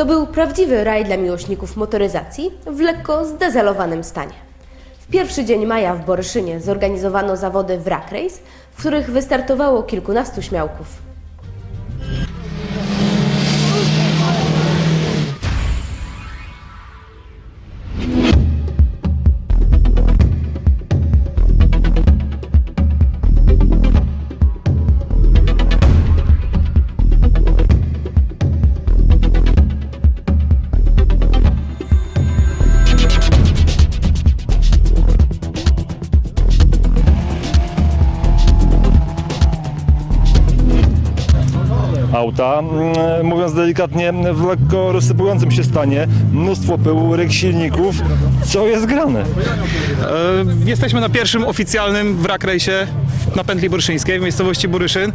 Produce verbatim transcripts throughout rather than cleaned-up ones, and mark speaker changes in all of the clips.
Speaker 1: To był prawdziwy raj dla miłośników motoryzacji w lekko zdezelowanym stanie. W pierwszy dzień maja w Boryszynie zorganizowano zawody wrak race, w których wystartowało kilkunastu śmiałków.
Speaker 2: Auta, mm, mówiąc delikatnie, w lekko rozsypującym się stanie, mnóstwo pyłu, ryk silników. Co jest grane?
Speaker 3: E, jesteśmy na pierwszym oficjalnym wrak rejsie na pętli boryszyńskiej w miejscowości Boryszyn.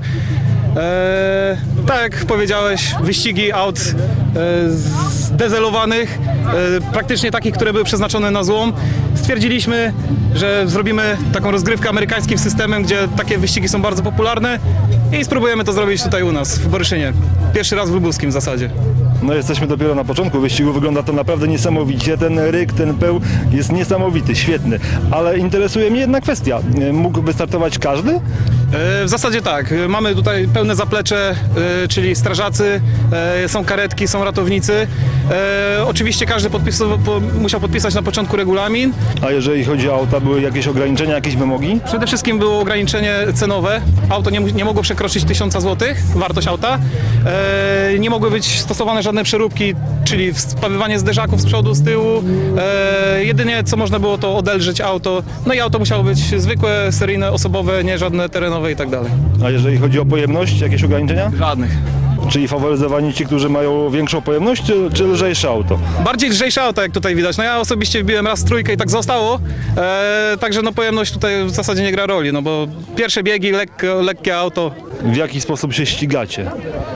Speaker 3: E, tak jak powiedziałeś, wyścigi aut e, zdezelowanych, e, praktycznie takich, które były przeznaczone na złom. Stwierdziliśmy, że zrobimy taką rozgrywkę amerykańskim systemem, gdzie takie wyścigi są bardzo popularne i spróbujemy to zrobić tutaj u nas w Boryszynie. Pierwszy raz w Lubuskim w zasadzie.
Speaker 2: No jesteśmy dopiero na początku wyścigu, wygląda to naprawdę niesamowicie. Ten ryk, ten pył jest niesamowity, świetny. Ale interesuje mnie jedna kwestia. Mógł wystartować każdy?
Speaker 3: E, W zasadzie tak. Mamy tutaj pełne zaplecze, e, czyli strażacy, e, są karetki, są ratownicy. E, Oczywiście każdy podpisował, po, musiał podpisać na początku regulamin.
Speaker 2: A jeżeli chodzi o auta, były jakieś ograniczenia, jakieś wymogi?
Speaker 3: Przede wszystkim było ograniczenie cenowe. Auto nie, nie mogło przekroczyć tysiąca złotych, wartość auta. E, nie mogły być stosowane żadne przeróbki, czyli spawywanie zderzaków z przodu, z tyłu. E, jedynie co można było, to odelżyć auto. No i auto musiało być zwykłe, seryjne, osobowe, nie żadne terenowe i tak dalej.
Speaker 2: A jeżeli chodzi o pojemność, jakieś ograniczenia?
Speaker 3: Żadnych.
Speaker 2: Czyli faworyzowani ci, którzy mają większą pojemność, czy, czy lżejsze auto?
Speaker 3: Bardziej lżejsze auto, jak tutaj widać. No ja osobiście wbiłem raz trójkę i tak zostało. E, także no pojemność tutaj w zasadzie nie gra roli, no bo pierwsze biegi, lekko, lekkie auto.
Speaker 2: W jaki sposób się ścigacie?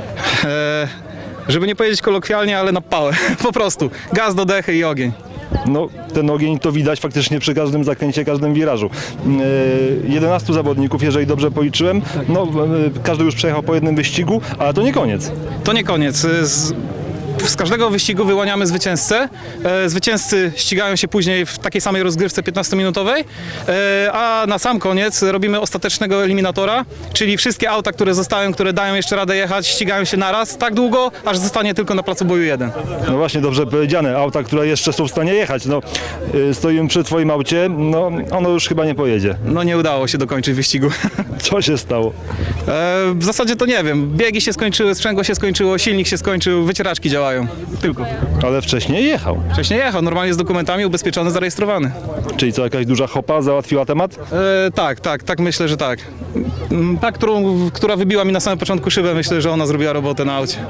Speaker 3: E, żeby nie powiedzieć kolokwialnie, ale na pałę. Po prostu. Gaz do dechy i ogień.
Speaker 2: No, ten ogień to widać faktycznie przy każdym zakręcie, każdym wirażu. Yy, jedenastu zawodników, jeżeli dobrze policzyłem, no, yy, każdy już przejechał po jednym wyścigu, ale to nie koniec.
Speaker 3: To nie koniec. Z, z każdego wyścigu wyłaniamy zwycięzcę. E, zwycięzcy ścigają się później w takiej samej rozgrywce piętnastominutowej, e, a na sam koniec robimy ostatecznego eliminatora, czyli wszystkie auta, które zostają, które dają jeszcze radę jechać, ścigają się naraz tak długo, aż zostanie tylko na placu boju jeden.
Speaker 2: No właśnie, dobrze powiedziane, auta, które jeszcze są w stanie jechać. No, yy, stoimy przy twoim aucie, no ono już chyba nie pojedzie.
Speaker 3: No nie udało się dokończyć wyścigu.
Speaker 2: Co się stało?
Speaker 3: E, w zasadzie to nie wiem. Biegi się skończyły, sprzęgło się skończyło, silnik się skończył, wycieraczki działają. Tylko.
Speaker 2: Ale wcześniej jechał.
Speaker 3: Wcześniej jechał, normalnie z dokumentami, ubezpieczony, zarejestrowany.
Speaker 2: Czyli co, jakaś duża hopa załatwiła temat?
Speaker 3: E, tak, tak, tak myślę, że tak. Mm, Ta, którą, która wybiła mi na samym początku szybę, myślę, że ona zrobiła robotę na aucie.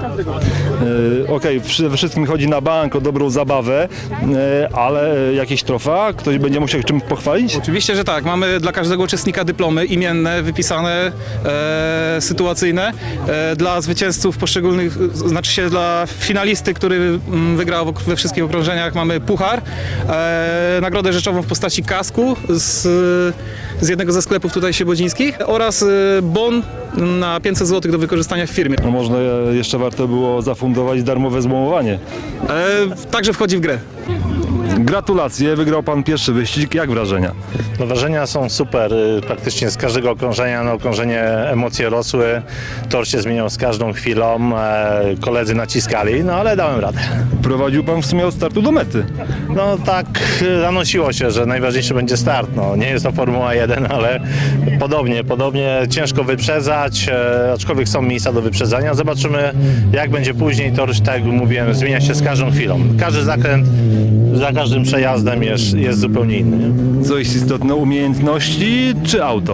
Speaker 2: Yy, Okej, okay, przede wszystkim chodzi na bank o dobrą zabawę, yy, ale yy, jakieś trofea? Ktoś będzie musiał czymś pochwalić?
Speaker 3: Oczywiście, że tak. Mamy dla każdego uczestnika dyplomy imienne, wypisane, e, sytuacyjne. E, dla zwycięzców poszczególnych, znaczy się dla finalisty, który mm, wygrał we wszystkich okrążeniach, mamy puchar, e, nagrodę rzeczową w postaci kasku z, z jednego ze sklepów tutaj siebodzińskich oraz e, bon na pięćset złotych do wykorzystania w firmie.
Speaker 2: No może jeszcze warto było zafundować darmowe złomowanie.
Speaker 3: E, także wchodzi w grę.
Speaker 2: Gratulacje, wygrał pan pierwszy wyścig. Jak wrażenia?
Speaker 4: No, wrażenia są super. Y, Praktycznie z każdego okrążenia na okrążenie emocje rosły. Tor się zmieniał z każdą chwilą. E, koledzy naciskali, no ale dałem radę.
Speaker 2: Prowadził pan w sumie od startu do mety.
Speaker 4: No tak y, zanosiło się, że najważniejszy będzie start. No, nie jest to Formuła jeden, ale podobnie, podobnie ciężko wyprzedzać, e, aczkolwiek są miejsca do wyprzedzania. Zobaczymy, jak będzie później. Tor, tak jak mówiłem, zmienia się z każdą chwilą. Każdy zakręt za każdym przejazdem jest, jest zupełnie inny. Nie?
Speaker 2: Co jest istotne, umiejętności czy auto?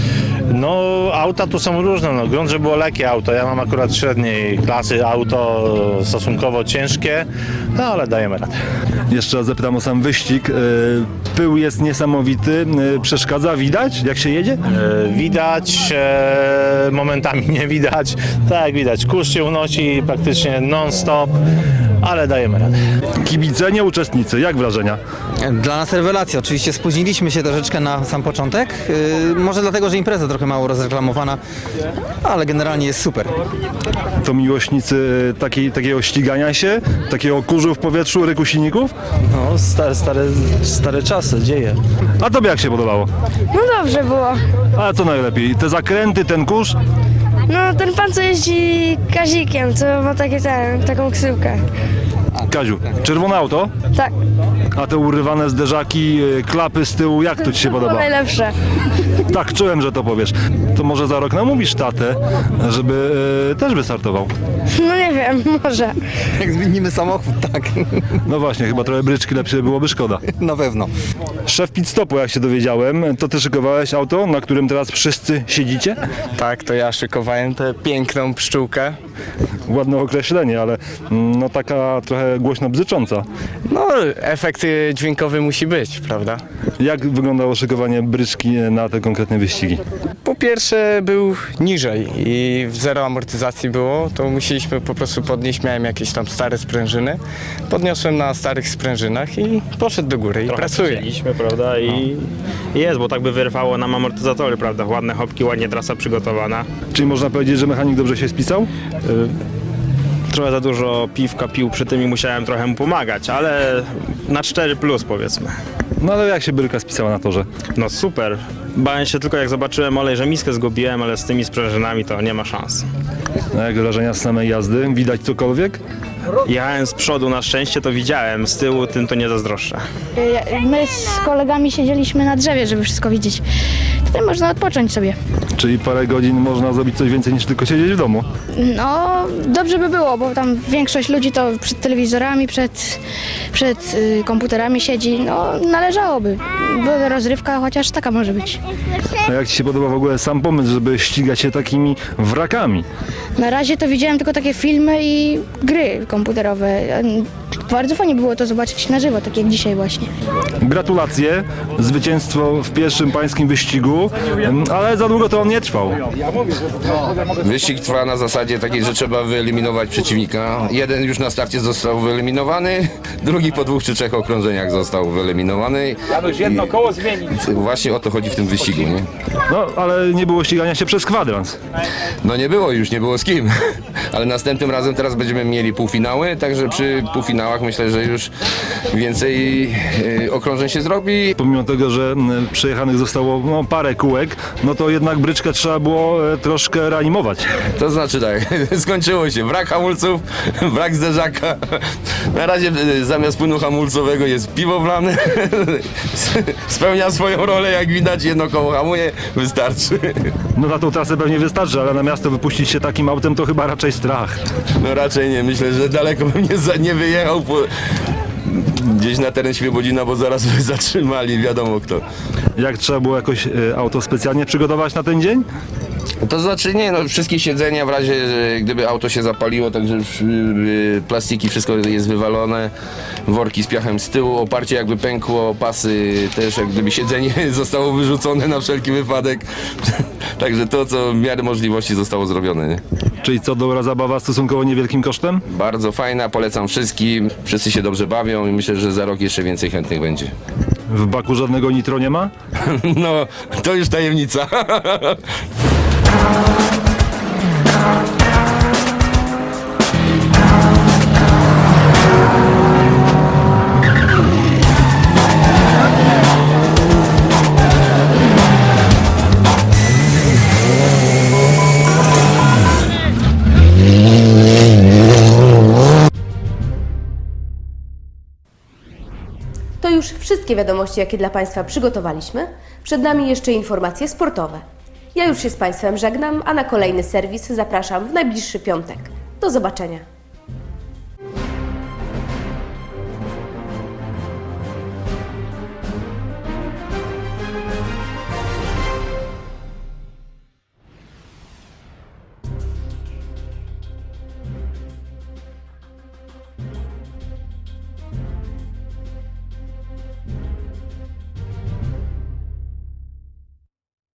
Speaker 4: No auta tu są różne, no grunt, że było lekkie auto, ja mam akurat średniej klasy auto, stosunkowo ciężkie, no ale dajemy radę.
Speaker 2: Jeszcze raz zapytam o sam wyścig. Yy, Pył jest niesamowity, yy, przeszkadza, widać jak się jedzie?
Speaker 4: E, Widać, e, momentami nie widać, tak jak widać, kurz się unosi praktycznie non-stop, ale dajemy radę.
Speaker 2: Kibice, nie uczestnicy, jak wrażenia?
Speaker 5: Dla nas rewelacja. Oczywiście spóźniliśmy się troszeczkę na sam początek. Yy, może dlatego, że impreza trochę trochę mało rozreklamowana, ale generalnie jest super.
Speaker 2: To miłośnicy takiej, takiego ścigania się, takiego kurzu w powietrzu, ryku silników?
Speaker 6: No, stare, stare, stare czasy, dzieje.
Speaker 2: A tobie jak się podobało?
Speaker 7: No dobrze było.
Speaker 2: A co najlepiej? Te zakręty, ten kurz?
Speaker 7: No ten pan co jeździ Kazikiem, co ma takie ten, taką ksyłkę.
Speaker 2: Kaziu, czerwone auto?
Speaker 7: Tak,
Speaker 2: A te urywane zderzaki, y, klapy z tyłu, jak to ci się
Speaker 7: to
Speaker 2: podoba?
Speaker 7: najlepsze.
Speaker 2: Tak, czułem, że to powiesz. To może za rok namówisz tatę, żeby y, też wystartował.
Speaker 7: No nie wiem, może.
Speaker 5: Jak zmienimy samochód, tak,
Speaker 2: No właśnie, chyba trochę bryczki lepsze byłoby szkoda.
Speaker 5: na pewno.
Speaker 2: Szef pit stopu, jak się dowiedziałem, to ty szykowałeś auto, na którym teraz wszyscy siedzicie?
Speaker 8: Tak, to ja szykowałem tę piękną pszczółkę.
Speaker 2: Ładne określenie, ale mm, no taka trochę głośno bzycząca.
Speaker 8: No, efekt y, dźwiękowy musi być, prawda?
Speaker 2: Jak wyglądało szykowanie bryczki na te konkretne wyścigi?
Speaker 8: Po pierwsze był niżej i w zero amortyzacji było, to musieliśmy po prostu podnieść, miałem jakieś tam stare sprężyny. Podniosłem na starych sprężynach i poszedł do góry i pracuje.
Speaker 9: Chcieliśmy, prawda? I jest, bo tak by wyrwało nam amortyzatory, prawda? Ładne hopki, ładnie trasa przygotowana.
Speaker 2: Czyli można powiedzieć, że mechanik dobrze się spisał?
Speaker 9: Trochę za dużo piwka pił przy tym i musiałem trochę mu pomagać, ale na cztery plus powiedzmy.
Speaker 2: No ale jak się bryka spisała na torze?
Speaker 9: No super. Bałem się tylko jak zobaczyłem olej, że miskę zgubiłem, ale z tymi sprężynami to nie ma szans.
Speaker 2: No jak wrażenia z samej jazdy? Widać cokolwiek?
Speaker 9: Jechałem z przodu, na szczęście to widziałem, z tyłu tym to nie zazdroszczę.
Speaker 7: My z kolegami siedzieliśmy na drzewie, żeby wszystko widzieć. Tutaj można odpocząć sobie.
Speaker 2: Czyli parę godzin można zrobić coś więcej niż tylko siedzieć w domu.
Speaker 7: No, dobrze by było, bo tam większość ludzi to przed telewizorami, przed, przed y, komputerami siedzi. No, należałoby. Bo rozrywka chociaż taka może być.
Speaker 2: A jak ci się podoba w ogóle sam pomysł, żeby ścigać się takimi wrakami?
Speaker 7: Na razie to widziałem tylko takie filmy i gry komputerowe. Bardzo fajnie było to zobaczyć na żywo, tak jak dzisiaj właśnie.
Speaker 2: Gratulacje, zwycięstwo w pierwszym pańskim wyścigu, ale za długo to on nie trwał.
Speaker 10: Wyścig trwa na zasadzie takiej, że trzeba wyeliminować przeciwnika. Jeden już na starcie został wyeliminowany, drugi po dwóch czy trzech okrążeniach został wyeliminowany. Jedno koło zmienić. Właśnie o to chodzi w tym wyścigu, nie?
Speaker 2: No, ale nie było ścigania się przez kwadrans.
Speaker 10: No nie było już, nie było z kim. Ale następnym razem teraz będziemy mieli półfinały, także przy półfinałach myślę, że już więcej y, okrążeń się zrobi.
Speaker 2: Pomimo tego, że m, przejechanych zostało no, parę kółek, no to jednak bryczkę trzeba było e, troszkę reanimować.
Speaker 10: To znaczy tak, skończyło się. Brak hamulców, brak zderzaka. Na razie y, zamiast płynu hamulcowego jest piwo wlane. Spełnia swoją rolę, jak widać, jedno koło hamuje, wystarczy.
Speaker 2: No na tą trasę pewnie wystarczy, ale na miasto wypuścić się takim autem to chyba raczej strach.
Speaker 10: No raczej nie, myślę, że daleko bym nie, za, nie wyjechał po, gdzieś na teren Świebodzina, bo zaraz by zatrzymali, wiadomo kto.
Speaker 2: Jak trzeba było jakoś e, auto specjalnie przygotować na ten dzień?
Speaker 10: To znaczy nie, no wszystkie siedzenia w razie, że gdyby auto się zapaliło, także już, yy, plastiki, wszystko jest wywalone, worki z piachem z tyłu, oparcie jakby pękło, pasy też, jak gdyby siedzenie zostało wyrzucone na wszelki wypadek. Także to, co w miarę możliwości zostało zrobione. Nie?
Speaker 2: Czyli co, dobra zabawa stosunkowo niewielkim kosztem?
Speaker 10: Bardzo fajna, polecam wszystkim, wszyscy się dobrze bawią i myślę, że za rok jeszcze więcej chętnych będzie.
Speaker 2: W baku żadnego nitro nie ma?
Speaker 10: No, to już tajemnica.
Speaker 1: To już wszystkie wiadomości, jakie dla Państwa przygotowaliśmy. Przed nami jeszcze informacje sportowe. Ja już się z Państwem żegnam, a na kolejny serwis zapraszam w najbliższy piątek. Do zobaczenia.